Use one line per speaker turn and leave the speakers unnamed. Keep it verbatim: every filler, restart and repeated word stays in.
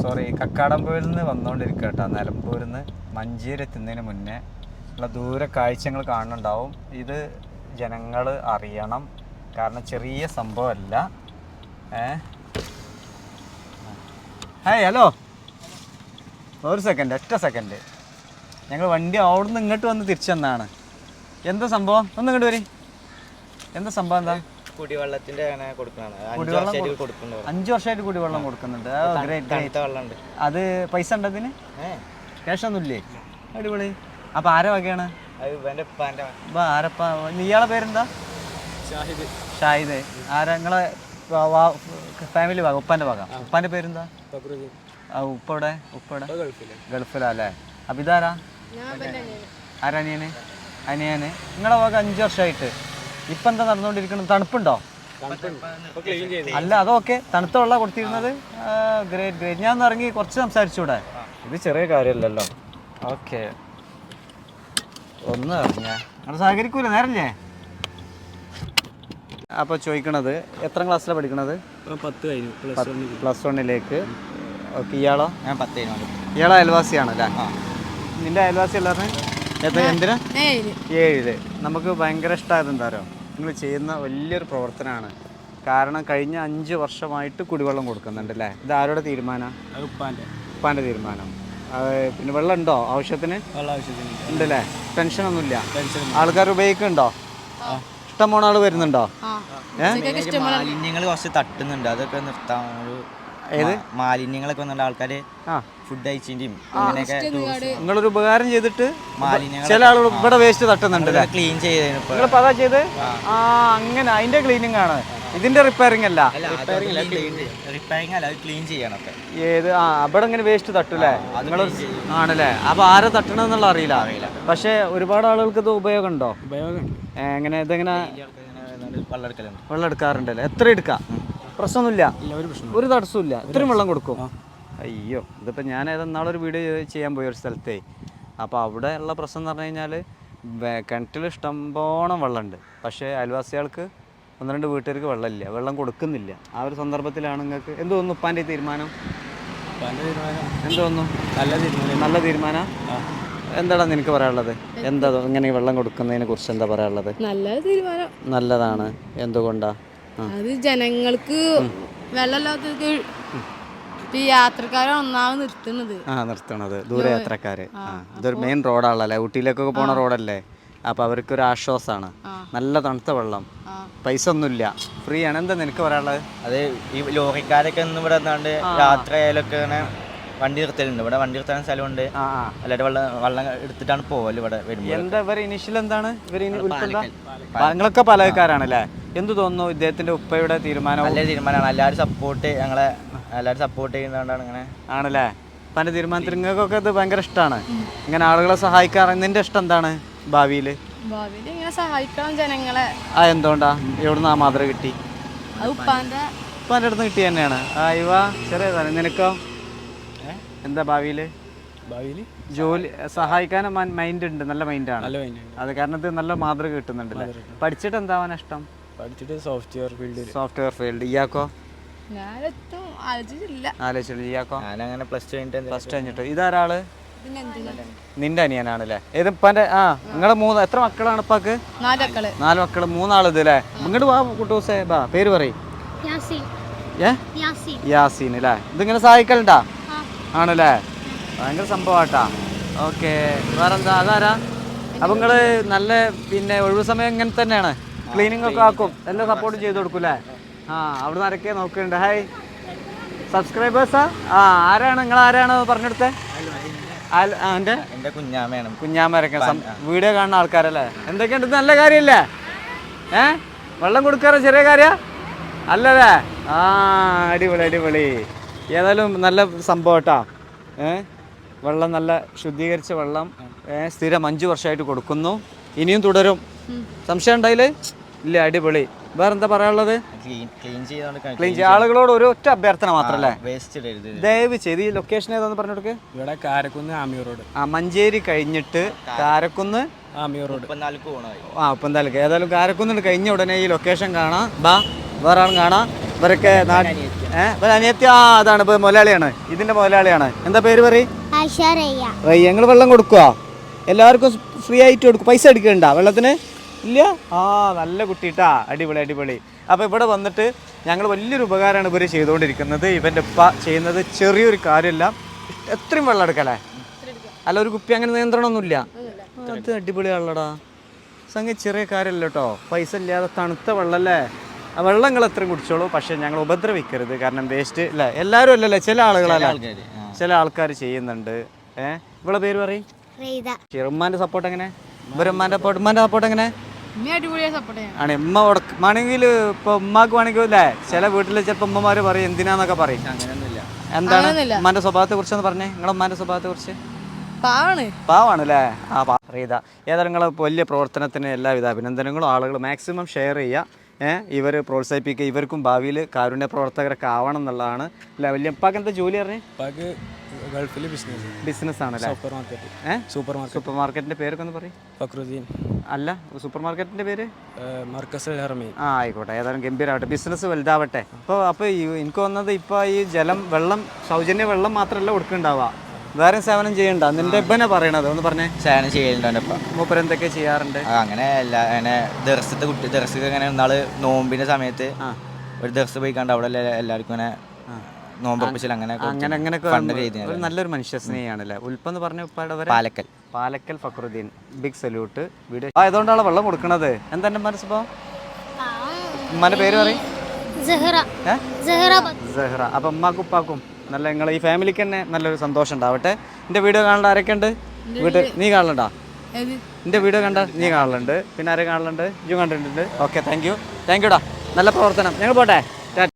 Sorry Kakkadampoyil നിന്ന് വന്നുകൊണ്ടിരിക്കുക കേട്ടോ. നിലമ്പൂരിൽ നിന്ന് മഞ്ചേരി എത്തുന്നതിന് മുന്നേ ഉള്ള ദൂര കാഴ്ചകൾ കാണുന്നുണ്ടാവും. ഇത് ജനങ്ങൾ അറിയണം, കാരണം ചെറിയ സംഭവമല്ല. ഏ ഹായ് ഹലോ, ഒരു സെക്കൻഡ്, ഒറ്റ സെക്കൻഡ്. ഞങ്ങൾ വണ്ടി അവിടെ നിന്ന് ഇങ്ങോട്ട് വന്ന് തിരിച്ചു വന്നതാണ്. എന്താ സംഭവം? ഒന്ന് ഇങ്ങോട്ട് വരി. എന്താ സംഭവം? എന്താ?
കുടിവെള്ളത്തിന്റെ
അഞ്ചു വർഷമായിട്ട് കുടിവെള്ളം കൊടുക്കുന്നുണ്ട്. അത് പൈസ ഉണ്ട് അതിന്? ക്യാഷ് ഒന്നുമില്ലേ? അടിപൊളി. അപ്പൊ ആരെ വകയാണ്? ആരപ്പ? ഇയാളെ പേരെന്താ? ഷാഹിദ്. ഷാഹിദ് ആരാ? നിങ്ങളെ ഫാമിലി വക, ഉപ്പാന്റെ വക. ഉപ്പാന്റെ പേരെന്താ? ഉപ്പ ഇവിടെ? ഉപ്പ ഇവിടെ ഗൾഫിലാ അല്ലേ? അപ്പൊ ഇതാരാ? ആരനിയന്? അനിയന്. നിങ്ങളെ വക അഞ്ചു വർഷമായിട്ട്. ഇപ്പൊ എന്താ നടന്നുകൊണ്ടിരിക്കുന്നത്? തണുപ്പുണ്ടോ? അല്ല അതൊക്കെ തണുത്ത വെള്ളം കൊടുത്തിരുന്നത്. Great great. ഞാൻ ഒന്ന് ഇറങ്ങി കുറച്ച് സംസാരിച്ചൂടെ? ഇത് ചെറിയ കാര്യമല്ലല്ലോ. ഓക്കെ, ഒന്ന് ഇറങ്ങിയ നിങ്ങൾ സഹകരിക്കൂല, നേരല്ലേ? അപ്പോൾ ചോദിക്കണത് എത്ര ക്ലാസ്സിലാണ് പഠിക്കണത്?
പത്ത് കഴിഞ്ഞു,
പ്ലസ് വണ്ണിലേക്ക്. ഓക്കെ, ഇയാളോ?
ഞാൻ പത്ത് കഴിഞ്ഞു.
ഇയാളെ അയൽവാസിയാണല്ലേ? നിന്റെ അയൽവാസി എല്ലാവരും എന്തിനാ? ഏഴില്. നമുക്ക് ഭയങ്കര ഇഷ്ടമായത് എന്താ പറയുക, നിങ്ങൾ ചെയ്യുന്ന വലിയൊരു പ്രവർത്തനമാണ്. കാരണം കഴിഞ്ഞ അഞ്ച് വർഷമായിട്ട് കുടിവെള്ളം കൊടുക്കുന്നുണ്ട് അല്ലേ? ഇത് ആരുടെ തീരുമാനമാണ്?
ഉപ്പാൻ്റെ.
ഉപ്പാൻ്റെ തീരുമാനം. പിന്നെ വെള്ളം ഉണ്ടോ ആവശ്യത്തിന്? ഉണ്ടല്ലേ? ടെൻഷനൊന്നുമില്ല? ആൾക്കാർ ഉപയോഗിക്കുന്നുണ്ടോ? ഇഷ്ടം പോണ ആൾ വരുന്നുണ്ടോ?
മാലിന്യങ്ങൾ കുറച്ച് തട്ടുന്നുണ്ട്, അതൊക്കെ നിർത്താൻ. ഏത് മാലിന്യങ്ങളൊക്കെ വന്നിട്ട് ആൾക്കാര് ഫുഡ് കഴിച്ചിട്ടും അങ്ങനെയൊക്കെ.
നിങ്ങളൊരു ഉപകാരം ചെയ്തിട്ട് ചില ആളുകൾ ഇവിടെ വേസ്റ്റ് തട്ടുന്നുണ്ട്,
ക്ലീൻ ചെയ്ത്
ചെയ്ത് ആ അങ്ങനെ അതിന്റെ ക്ലീനിങ് ആണ്, ഇതിന്റെ റിപ്പയറിംഗ് അല്ല.
റിപ്പയറിംഗ് അല്ല, ക്ലീൻ ചെയ്യണം.
ഏത്? ആ അവിടെ ഇങ്ങനെ വേസ്റ്റ് തട്ടൂലേ നിങ്ങൾ? ആണല്ലേ? അപ്പൊ ആരെ തട്ടണമെന്നുള്ള അറിയില്ല. അറിയില്ല പക്ഷെ ഒരുപാട് ആളുകൾക്ക് ഇത് ഉപയോഗം ഉണ്ടോ?
ഉപയോഗം
എങ്ങനെ? ഇതെങ്ങനെ
വെള്ളം എടുക്കലുണ്ട്?
വെള്ളം എടുക്കാറുണ്ടല്ലേ? എത്ര എടുക്കാം? പ്രശ്നമൊന്നുമില്ല, ഒരു തടസ്സമില്ല. ഇത്രയും വെള്ളം കൊടുക്കും? അയ്യോ, ഇതിപ്പോൾ ഞാൻ ഏതെന്നാളൊരു വീഡിയോ ചെയ്യാൻ പോയി ഒരു സ്ഥലത്തേ. അപ്പോൾ അവിടെ ഉള്ള പ്രശ്നം എന്ന് പറഞ്ഞു കഴിഞ്ഞാൽ കിണറ്റിൽ ഇഷ്ടംപോണം വെള്ളമുണ്ട്, പക്ഷേ അയൽവാസികൾക്ക് ഒന്ന് രണ്ട് വീട്ടുകാർക്ക് വെള്ളമില്ല, വെള്ളം കൊടുക്കുന്നില്ല. ആ ഒരു സന്ദർഭത്തിലാണ് നിങ്ങൾക്ക് എന്ത് തോന്നുന്നു? ഉപ്പാൻ്റെ തീരുമാനം എന്ത് തോന്നുന്നു?
നല്ല തീരുമാനം.
നല്ല തീരുമാനം. എന്താടാ നിനക്ക് പറയാനുള്ളത്? എന്താ ഇങ്ങനെ വെള്ളം കൊടുക്കുന്നതിനെ കുറിച്ച് എന്താ പറയാനുള്ളത്?
നല്ല തീരുമാനം.
നല്ലതാണ്. എന്തുകൊണ്ടാ?
അത് ജനങ്ങൾക്ക് വെള്ളമില്ലാത്തവർക്ക് ഈ യാത്രക്കാരെ ഒന്നാമത് നിർത്തുന്നത്.
ആ നിർത്തണത് ദൂരയാത്രക്കാര്. ഇതൊരു മെയിൻ റോഡാണല്ലേ, ഊട്ടിയിലേക്കൊക്കെ പോണ റോഡല്ലേ? അപ്പൊ അവർക്കൊരു ആശ്വാസമാണ്. നല്ല തണുത്ത വെള്ളം, പൈസ ഒന്നുമില്ല, ഫ്രീ ആണ്. എന്താ നിനക്ക് പറയാനുള്ളത്?
അത് ഈ ലോറിക്കാരൊക്കെ ഒന്നും ഇവിടെ വന്നാണ്ട് യാത്ര ആയാലൊക്കെ ഇങ്ങനെ വണ്ടി നിർത്തലുണ്ട്. ഇവിടെ വണ്ടി നിർത്താൻ സ്ഥലമുണ്ട്, എല്ലാവരും വെള്ളം വെള്ളം എടുത്തിട്ടാണ് പോവല് ഇവിടെ വരുമ്പോൾ.
എന്താ ഇവർ ഇനീഷ്യൽ എന്താണ് ഇവർ? നിങ്ങളൊക്കെ പലകാരാണല്ലേ? എന്ത് തോന്നുന്നു ഇദ്ദേഹത്തിന്റെ ഉപ്പയുടെ തീരുമാനം?
നല്ല തീരുമാനമാണ്. എല്ലാവരും സപ്പോർട്ട്, ഞങ്ങളെ എല്ലാവരും സപ്പോർട്ട് ചെയ്യുന്നതുകൊണ്ടാണ് ഇങ്ങനെ.
ആണല്ലേ? പല തീരുമാനത്തിൽ നിങ്ങൾക്കൊക്കെ ഇത് ഭയങ്കര ഇഷ്ടമാണ്, ഇങ്ങനെ ആളുകളെ സഹായിക്കാറ്. നിന്റെ ഇഷ്ടം എന്താണ് ഭാവിയിൽ?
ഭാവിയിൽ ഇങ്ങനെ സഹായിക്കണം ജനങ്ങളെ.
ആ എന്തുകൊണ്ടാ? എവിടുന്ന് ആ മാതൃക കിട്ടി?
ഉപ്പാന്റെ
ഉപ്പാന്റെ അടുത്ത് കിട്ടി തന്നെയാണ്. ആ ഇവ ചെറിയതാണ്. നിനക്കോ എന്താ ഭാവിയിൽ?
ഭാവിയിൽ
ജോലി സഹായിക്കാൻ മൈൻഡ് ഉണ്ട്, നല്ല മൈൻഡാണ്. അത് കാരണം ഇത് നല്ല മാതൃക കിട്ടുന്നുണ്ടല്ലേ? പഠിച്ചിട്ട് എന്താവാൻ ഇഷ്ടം?
പഠിച്ചിട്ട് സോഫ്റ്റ്വെയർ ഫീൽഡ്.
Software field. ഇയാക്കോ?
ആലോചിച്ചില്ല.
ആലോചിച്ചില്ല. ഇയാക്കോ?
ഞാനങ്ങനെ പ്ലസ് ടു കഴിഞ്ഞിട്ട്.
പ്ലസ് ടു കഴിഞ്ഞിട്ട്. ഇതാരാള്? നിന്റെ അനിയനാണല്ലേ? ഏത് ഇപ്പാന്റെ? ആ നിങ്ങളെ മൂന്ന് എത്ര മക്കളാണ് ഇപ്പാക്ക്?
നാല്
നാല് മക്കള്. മൂന്നാള് ഇത് അല്ലേ? ഇങ്ങോട്ട് വാ കുട്ടൂസേ, ബാ പേര് പറയും. ഏ യാസീൻ അല്ലേ? ഇതിങ്ങനെ സഹായിക്കലുണ്ടാ? ആണല്ലേ? ഭയങ്കര സംഭവമാട്ടാ. ഓക്കെ, വേറെന്താ? അതാരാ? അപ്പൊ നിങ്ങള് നല്ല പിന്നെ ഒഴിവ് സമയം ഇങ്ങനെ തന്നെയാണ്, ക്ലീനിങ് ഒക്കെ ആക്കും, എല്ലാം സപ്പോർട്ട് ചെയ്ത് കൊടുക്കൂലേ? ആ അവിടെ നിന്ന് ആരൊക്കെ നോക്കുന്നുണ്ട്? ഹായ് സബ്സ്ക്രൈബേഴ്സാ? ആ ആരാണ് നിങ്ങൾ? ആരാണ് പറഞ്ഞെടുത്തേ?
എൻ്റെ കുഞ്ഞാമയാണ്.
കുഞ്ഞാമരൊക്കെ വീഡിയോ കാണുന്ന ആൾക്കാരല്ലേ? എന്തൊക്കെയുണ്ട്? ഇത് നല്ല കാര്യമല്ലേ? ഏ വെള്ളം കൊടുക്കാറ് ചെറിയ കാര്യ അല്ലല്ലേ? ആ അടിപൊളി അടിപൊളി. ഏതായാലും നല്ല സംഭവം കേട്ടോ. ഏ വെള്ളം നല്ല ശുദ്ധീകരിച്ച വെള്ളം സ്ഥിരം അഞ്ച് വർഷമായിട്ട് കൊടുക്കുന്നു, ഇനിയും തുടരും. സംശയം ഉണ്ടായില്ലേ? ഇല്ല. അടിപൊളി. വേറെന്താ പറയാനുള്ളത്? ക്ലീൻ ചെയ്യാൻ ആളുകളോട് ഒരു ഒറ്റ അഭ്യർത്ഥന മാത്രല്ലേ, ദയവ് ചെയ്ത് ഈ ലൊക്കേഷൻ ഏതാന്ന് പറഞ്ഞു കൊടുക്ക്.
ഇവിടെ കാരക്കുന്ന് ആമിയൂർ റോഡ്.
ആ മഞ്ചേരി കഴിഞ്ഞിട്ട് കാരക്കുന്ന്
ആമിയൂർ റോഡ്.
ആ ഉപ്പന്താലക്ക്. ഏതായാലും കാരക്കുന്ന് കഴിഞ്ഞ ഉടനെ ഈ ലൊക്കേഷൻ കാണാം. ബാ വേറെ ആളും കാണാം. ഇവരൊക്കെ ഏഹ് അനിയത്തി ആ അതാണ് ഇപ്പൊ മുതലാളിയാണ്, ഇതിന്റെ മുതലാളിയാണ്. എന്താ പേര് പറയും? റയ്യ. ഞങ്ങൾ വെള്ളം കൊടുക്കുവോ? എല്ലാവർക്കും ഫ്രീ ആയിട്ട് കൊടുക്കും? പൈസ എടുക്കണ്ട വെള്ളത്തിന്? ഇല്ല. ആ നല്ല കുട്ടിട്ടാ, അടിപൊളി അടിപൊളി. അപ്പോൾ ഇവിടെ വന്നിട്ട് ഞങ്ങൾ വലിയൊരു ഉപകാരമാണ് ഇവർ ചെയ്തുകൊണ്ടിരിക്കുന്നത്. ഇവൻ്റെ ഉപ്പ ചെയ്യുന്നത് ചെറിയൊരു കാര്യമല്ല, എത്രയും വെള്ളം എടുക്കല്ലേ? അല്ല ഒരു കുപ്പി അങ്ങനെ നിയന്ത്രണമൊന്നുമില്ല. അത് അടിപൊളിയാണല്ലോടാ സംഗതി, ചെറിയ കാര്യമല്ല കേട്ടോ. പൈസ ഇല്ലാതെ തണുത്ത വെള്ളമല്ലേ, ആ വെള്ളം നിങ്ങൾ എത്രയും കുടിച്ചോളൂ, പക്ഷേ ഞങ്ങൾ ഉപദ്രവിക്കരുത്. കാരണം വേസ്റ്റ് അല്ലേ, എല്ലാവരും അല്ലല്ലേ, ചില ആളുകളല്ല, ചില ആൾക്കാർ ചെയ്യുന്നുണ്ട്. ഏഹ് ഇവിടെ പേര് പറയും? ഉമ്മാൻ്റെ സപ്പോർട്ട് എങ്ങനെ? ഇവരെ ഉമ്മാൻ്റെ സപ്പോർട്ട് ഉമ്മാൻ്റെ സപ്പോർട്ട് എങ്ങനെ ആണ്? ഉമ്മ ഉടക്കമാണെങ്കിൽ ഇപ്പൊ ഉമ്മാക്ക് വേണമെങ്കിൽ അല്ലേ, ചില വീട്ടിൽ ചിലപ്പോൾ ഉമ്മമാര് പറയും എന്തിനാന്നൊക്കെ പറയും. എന്താണ് ഉമ്മാന്റെ സ്വഭാവത്തെ കുറിച്ചൊന്ന് പറഞ്ഞേ, നിങ്ങളെ ഉമ്മാന്റെ സ്വഭാവത്തെ കുറിച്ച്? പാവാണ് അല്ലേ? ആ റീത. ഏതായാലും നിങ്ങളെ വലിയ പ്രവർത്തനത്തിന് എല്ലാവിധ അഭിനന്ദനങ്ങളും. ആളുകൾ മാക്സിമം ഷെയർ ചെയ്യുക, ഏഹ് ഇവർ പ്രോത്സാഹിപ്പിക്കുക. ഇവർക്കും ഭാവിയിൽ കാരുണ്യ പ്രവർത്തകരൊക്കെ ആവണം എന്നുള്ളതാണ് അല്ലേ. വലിയ ഉപ്പാക്ക് എന്താ ജോലി പറഞ്ഞേ?
ഗൾഫിൽ ബിസിനസ്
ബിസിനസ് ആണല്ലേ?
Supermarket.
ഏഹ്
സൂപ്പർ മാർക്കറ്റ്.
സൂപ്പർ മാർക്കറ്റിന്റെ പേരൊക്കെ ഒന്ന് പറയും.
ഫക്രുദ്ദീൻ.
അല്ല സൂപ്പർ മാർക്കറ്റിന്റെ പേര്?
മർക്കസ് അൽ ഹറമൈൻ. ആ
ആയിക്കോട്ടെ, ഏതായാലും ഗംഭീരമാവട്ടെ, ബിസിനസ് വലുതാവട്ടെ. അപ്പോൾ അപ്പോൾ എനിക്ക് വന്നത് ഇപ്പോൾ ഈ ജലം വെള്ളം സൗജന്യ വെള്ളം മാത്രമല്ല കൊടുക്കുന്നുണ്ടാവുക, വേറെ സേവനം ചെയ്യണ്ട. നിന്റെ ഇപ്പനെ പറയണത് ഒന്ന് പറഞ്ഞേ.
സേവനം ചെയ്യലുണ്ട്.
മൂപ്പർ എന്തൊക്കെ ചെയ്യാറുണ്ട്?
അങ്ങനെ എല്ലാ അങ്ങനെ ദർശത്തെ കുട്ടി ദർശക്ക് അങ്ങനെ നാള് നോമ്പിന്റെ സമയത്ത് ഒരു ദർശ പോയി കണ്ട് അവിടെ എല്ലാവർക്കും അങ്ങനെ നോമ്പൊപ്പിച്ചിൽ അങ്ങനെ
അങ്ങനെ അങ്ങനെയൊക്കെ ഒരു നല്ലൊരു മനുഷ്യ സ്നേഹിയാണല്ലേ. ഉൽപ്പെന്ന് പറഞ്ഞ ഉപ്പാടെ
Palakkal
Palakkal Fakhruddin, big salute. Video ആയതുകൊണ്ടാണ് വെള്ളം കൊടുക്കണത്. എന്താ എൻ്റെ മനസ്സിപ്പോ ഉമ്മാന്റെ പേര് പറയും? സഹറ. അപ്പൊ ഉമ്മാക്കും ഉപ്പാക്കും നല്ല നിങ്ങൾ ഈ ഫാമിലിക്ക് തന്നെ നല്ലൊരു സന്തോഷം ഉണ്ടാവട്ടെ. എൻ്റെ വീഡിയോ കാണേണ്ട ആരൊക്കെ ഉണ്ട് വീട്ടിൽ? നീ കാണലുണ്ടാ? എൻ്റെ വീഡിയോ കണ്ട നീ കാണലുണ്ട്, പിന്നെ ആരെ കാണലുണ്ട്? ഇജും കണ്ടിട്ടുണ്ട്. ഓക്കെ, താങ്ക് യു താങ്ക് യുടാ, നല്ല പ്രവർത്തനം. ഞങ്ങൾ പോട്ടെ.